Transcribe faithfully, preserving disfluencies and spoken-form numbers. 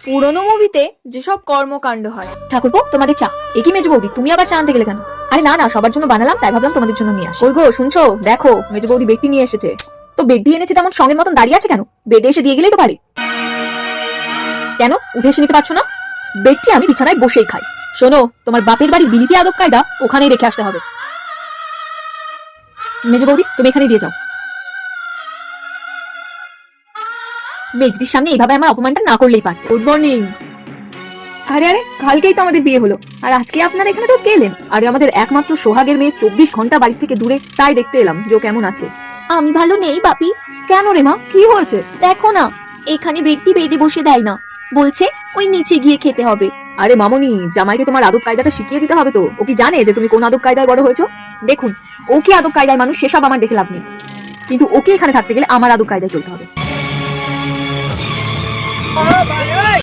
পুরোনো মুভিতে যেসব কর্মকাণ্ড হয়। ঠাকুরপো, তোমাদের চা। একই মেজো বৌদি, তুমি আবার চা আনতে গেলে কেন? আরে না না, সবার জন্য বানালাম, তাই ভাবলাম তোমাদের জন্য নিয়ে আসি। ওই গো, শুনছো? দেখো মেজো বৌদি বেডটি নিয়ে এসেছে। তো বেডটি এনেছে তেমন সঙ্গের মতন দাঁড়িয়ে আছে কেন? বেডে এসে দিয়ে গেলেই তো পারে। কেন উঠে এসে নিতে পারছো না? বেডটি আমি বিছানায় বসেই খাই। শোনো, তোমার বাপের বাড়ির বিলিতি আদব কায়দা ওখানেই রেখে আসতে হবে। মেজো বৌদি, তুমি এখানে দিয়ে যাও। মেজদির সামনে এইভাবে আমার অপমানটা না করলেই পারতে। Good morning. আরে আরে, কালকেই তো আমাদের বিয়ে হলো, আর আজকে আপনারা এখানে তো গেলেন। আরে আমাদের একমাত্র সোহাগের মেয়ে চব্বিশ ঘন্টা বাড়ি থেকে দূরে, তাই দেখতে এলাম যে ও কেমন আছে। আমি ভালো নেই বাপি। কেন রে মা, কি হয়েছে? দেখো না, এখানে বেডটি বেডে বসে দেয় না, বলছে ওই নিচে গিয়ে খেতে হবে। আরে মামনি, জামাইকে তোমার আদব কায়দাটা শিখিয়ে দিতে হবে তো। ও কি জানে যে তুমি কোন আদব কায়দায় বড় হয়েছো? দেখুন, ও কি আদব কায়দায় মানুষ সেসব আমার দেখে লাভ নেই, কিন্তু ওকে এখানে থাকতে গেলে আমার আদব কায়দায় চলতে হবে।